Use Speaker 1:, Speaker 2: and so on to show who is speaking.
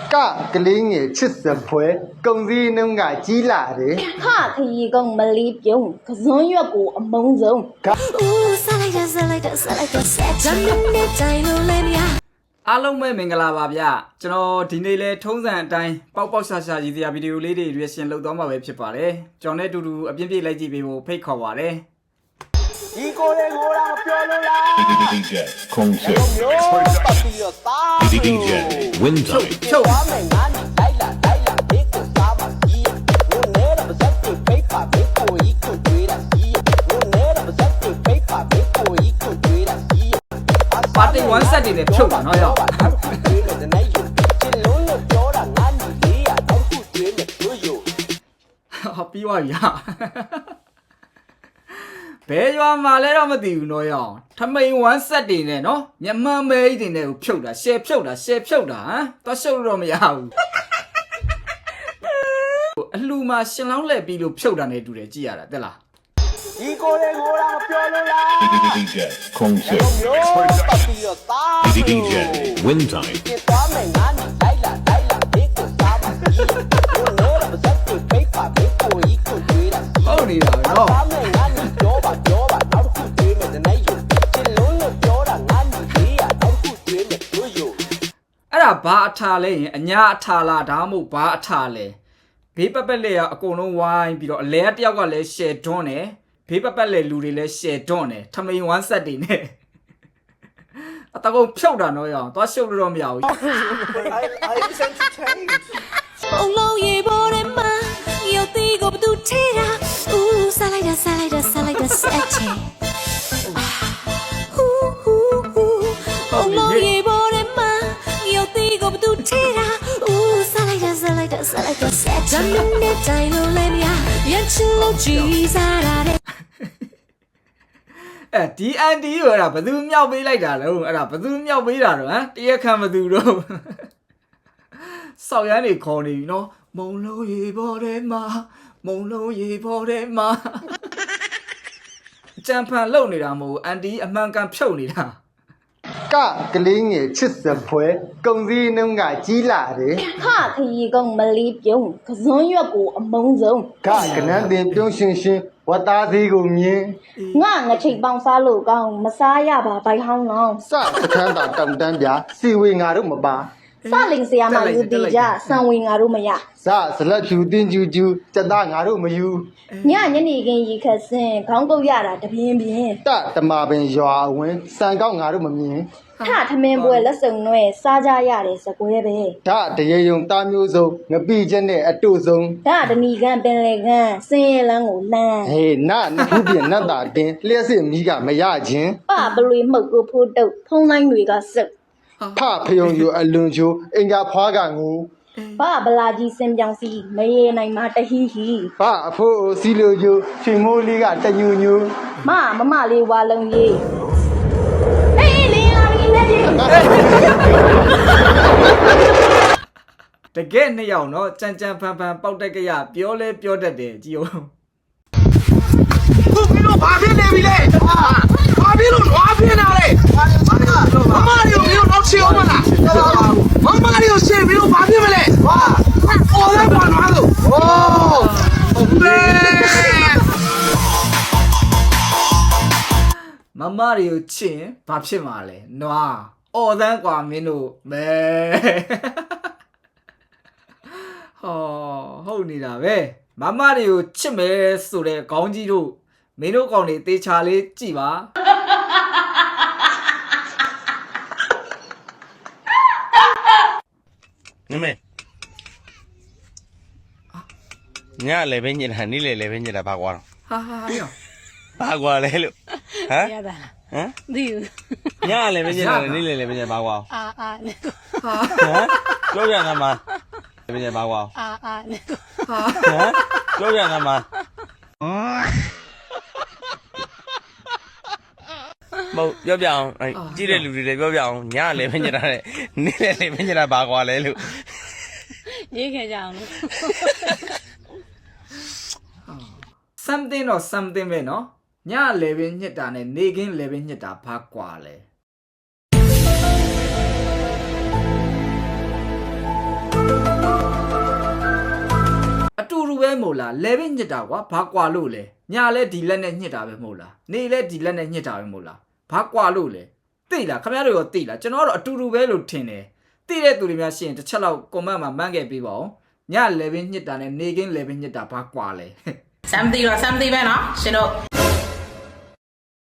Speaker 1: ကလေးငယ်ချစ်စပွဲကုံစည်းနှုံးကကြီးလာတယ်
Speaker 2: ခခရီကောင်မလေးပြုံးကစွန်းရွက်ကိုအမုံဆုံးဦးစားလိုက်တာဆက်ဂျမ်းနဲ့တိုင်းလို့လဲမြာ
Speaker 3: အားလုံးပဲမင်္ဂလာပါဗျကျွန်တော်ဒီနေ့လဲထုံးစံအတိုင်းပေါက်ရှာရည်စရာဗီဒီယိုလေးတွေ reaction လုပ်သွားမှာပဲဖြစ်ပါတယ်ကျွန်တော်နဲ့အတူတူအပြင်းပြေးလိုက်ကြည့်ပေးဖို့ဖိတ်ခေါ်ပါတယ်
Speaker 4: ဒီကိုလေးကိုလာပြောလို့လား
Speaker 5: DJ Concert DJ Winter
Speaker 3: ချုပ်
Speaker 4: သွားမယ်ငါနဲ့လိုက်လာဘေးကိုစားပါကြီးငိုနေတာပါစက်တွေဖိတ်ပါဘေးကိုကြီးကိုတွေးတာကြီးငိုနေတာပါစက်တွေဖိတ်ပါဘေးကိုကြီးကိုတွေးတာကြီး
Speaker 3: ပါတီ1 set တွေနဲ့ဖြုတ်ပါနော်ရော
Speaker 4: တွေးနေတဲ့နေ့ယူချစ်လုံးလို့ပြောတာငါညီလေးရတော့ခုတွေးနေလို့ယူ
Speaker 3: ပြီးသွားပြီဟာဘယ်ရွာမှာလဲတော့မသိဘူးနော်ရောထမိန်1 set တွေနဲ့နော်မြမမဲကြီးတွေနဲ့ကိုဖြုတ်တာရှယ်ဖြုတ်တာဟမ်သွားရှုပ်တော့မရဘူးအလှမှာရှင်လောင်းလှည့်ပြီးလို့ဖြုတ်တာနဲ့တူတယ်ကြည့်ရတာတက်လား
Speaker 4: ဒီကိုလေးကိုလာပြောလို့လား
Speaker 5: DJ Concert DJ Winter
Speaker 4: သွားမယ်ငါနဲ့လိုက်လာဘေးကိုစားပါကြီးငိုနေတာပါစက်တွေဖိတ်ပါဘေးကိုကြီးကိုတွေးတာ
Speaker 3: ဟုတ်နေတာနော်
Speaker 4: သွားမယ်ငါနဲ့ပြောပါနောက်တစ်ခုတွေးမယ်တဲ့နေ့ယူချစ်လုံးလို့ပြောတာငါညီလေးရနောက်တစ်ခုတွေးမယ်လို့ယူ
Speaker 3: အဲ့ဒါဘာအထာလဲရင်အညာအထာလားဒါမှမဟုတ်ဘာအထာလဲဘေးပပက်လက်ရအကုန်လုံးဝိုင်းပြီးတော့အလဲတယောက်ကလည်း share တွန်းတယ်ဘေးပပက်လက်လူတွေလည်း share တွန်းတယ်ထမိန်1 set တွေနဲ့အတကုံဖြုတ်တာနော်ရအောင်သွားရှုပ်လို့တော့မရဘူး
Speaker 4: I entertained
Speaker 2: ပုံလုံးရေပေါ်ထဲမှာရုပ်သီးကိုဘသူထဲတာဦးစားလိုက်တာဆက်ချေပုံလုံးရေပေါ်ထဲမှာရုပ်သီးကိုဘသူထဲတာဦးစားလိုက်တာဆက်ဂျမ်းနဲ့တိုင်းလို့လဲမြာရချင်လို့ကြည်စားတာ
Speaker 3: ဒီအန်တီရောဘသူမြောက်ပေးလိုက်တာလဲအဲ့ဒါဘသူမြောက်ပေးတာတော့ဟမ်တရက်ခံဘသူတော့စောက်ရမ်းနေခေါ်နေပြီနော်မုံလုံးရေပေါ်ထဲမှာအကြံဖန်လုံနေတာမဟုတ်အန်တီအမှန်ကန်ဖြုတ်နေတာ
Speaker 1: ကလေးငယ်ချစ်စပွဲကုံစည်းနှုံးကကြီးလာတယ်
Speaker 2: ခခရီကောင်မလေးပြုံးကစွန်းရွက်ကိုအမုံဆုံး
Speaker 1: ကနန်းတင်ပြုံးရှင်ဝတ်သားသေးကိုမြင်
Speaker 2: ငချိတ်ပေါင်းစားလို့ကောင်းမစားရပါဘိုင်ဟောင်းလောင်း
Speaker 1: စစခန်းတာတောင်တန်းပြစီဝေငါတို့မပါ
Speaker 2: စလင်ဆရာမယူတီကြစံဝင်ငါတို့မရ
Speaker 1: စလက်ဖြူတင်းကျူစက်သားငါတို့မယူ
Speaker 2: ညနေခင်းရီခတ်စင်ခေါင်းကုတ်ရတာတပြင်း
Speaker 1: တမပင်ရွာအဝင်စံကောက်ငါတို့မမြင်
Speaker 2: ထမင်းပွဲလက်စုံနွဲစားကြရတယ်စကွဲပဲ
Speaker 1: တရေယုံသားမျိုးစုံငပိချက်နဲ့အတုဆုံး
Speaker 2: တဏီကန်ပင်လေကန်စင်းရဲလန်းကိုလန်း
Speaker 1: ဟေးနှစ်ခုပြင်နတ်တာတင်လျှက်စစ်မီးကမရခြင်း
Speaker 2: ပလွေမှုတ်ကိုဖိုးတုတ်ဖုံးတိုင်းတွေကစုပ်
Speaker 1: ဖယုံယူအလွန်ချိုးအင်္ဂါဖွားကငူ
Speaker 2: ဗလာကြီးစင်ပြောင်စီမရေနိုင်မှာတဟီဟီ
Speaker 1: အဖိုးစီလိုကျိုးချွေမိုးလေးကတညူညူ
Speaker 2: မလေးဝါလုံးကြီးအေးလင်းလာပြီနဲ့ကြီး
Speaker 3: တကယ်နှစ်ယောက်နော်ကြံဖန်ပေါက်တက်ကြရပြောလဲပြောတတ်တယ်ကြည်အောင်
Speaker 4: ခုပြီးတော့ဘာဖြစ်နေပြီလဲဘာဖြစ်လို့နွားပြင်းတာလဲမမလေးကိုနောက်ချေအောင်မလားမမလေးကိုရှင်းပြီးတော့ဘာဖြစ်မလဲအော်လည်းဘာနွားလို့ဟုတ်လေ
Speaker 3: မမတွေကိုချင်ဘာဖြစ်မှာလဲနွားအော်သန်းกว่าမင်းတို့မဲဟုတ်နေတာပဲမမတွေကိုချစ်မယ်ဆိုတဲ့ခေါင်းကြီးတို့မင်းတို့ကောင်တွေတေချာလေးကြည်ပါ
Speaker 6: နမေညလည်းပဲညစ်တာနေ့လည်းပဲညစ်တာဘာကွာတော့ဘာကွာလဲလို့ဟမ်ရတာဟမ်ဒီညလည်းပဲညစ်တာနေ့လည်းပဲညစ်ဘာကွာပြောရတာမှာလည်းပဲညစ်ဘာကွာပြောရတာမှာမဟုတ်ပြောပြအောင်ကြည့်တဲ့လူတွေလည်းပြောပြအောင်ညလည်းပဲညစ်တာနဲ့နေ့လည်းပဲညစ်တာဘာကွာလဲလို့
Speaker 2: ရေးခဲ့ကြအောင်လို့
Speaker 3: something တော့ something ပဲเนาะညလည်းပဲညစ်တာနဲ့နေခင်းလည်းပဲညစ်တာဘာကွာလဲမို့လားလဲပဲညစ်တာကွာဘာကွာလို့လဲညာလဲဒီလက်နဲ့ညစ်တာပဲမဟုတ်လားနေလဲဒီလက်နဲ့ညစ်တာပဲမဟုတ်လားဘာကွာလို့လဲသိလားခင်ဗျားတို့ရောသိလားကျွန်တော်ကတော့အတူတူပဲလို့ထင်တယ်သိတဲ့သူတွေများရှိရင်တစ်ချက်လောက် comment မှာမှန်းခဲ့ပေးပါဦးညလဲပဲညစ်တာနဲ့နေကင်းလဲပဲညစ်တာဘာကွာလဲ
Speaker 7: Something or something ပဲเนาะရှင်တို့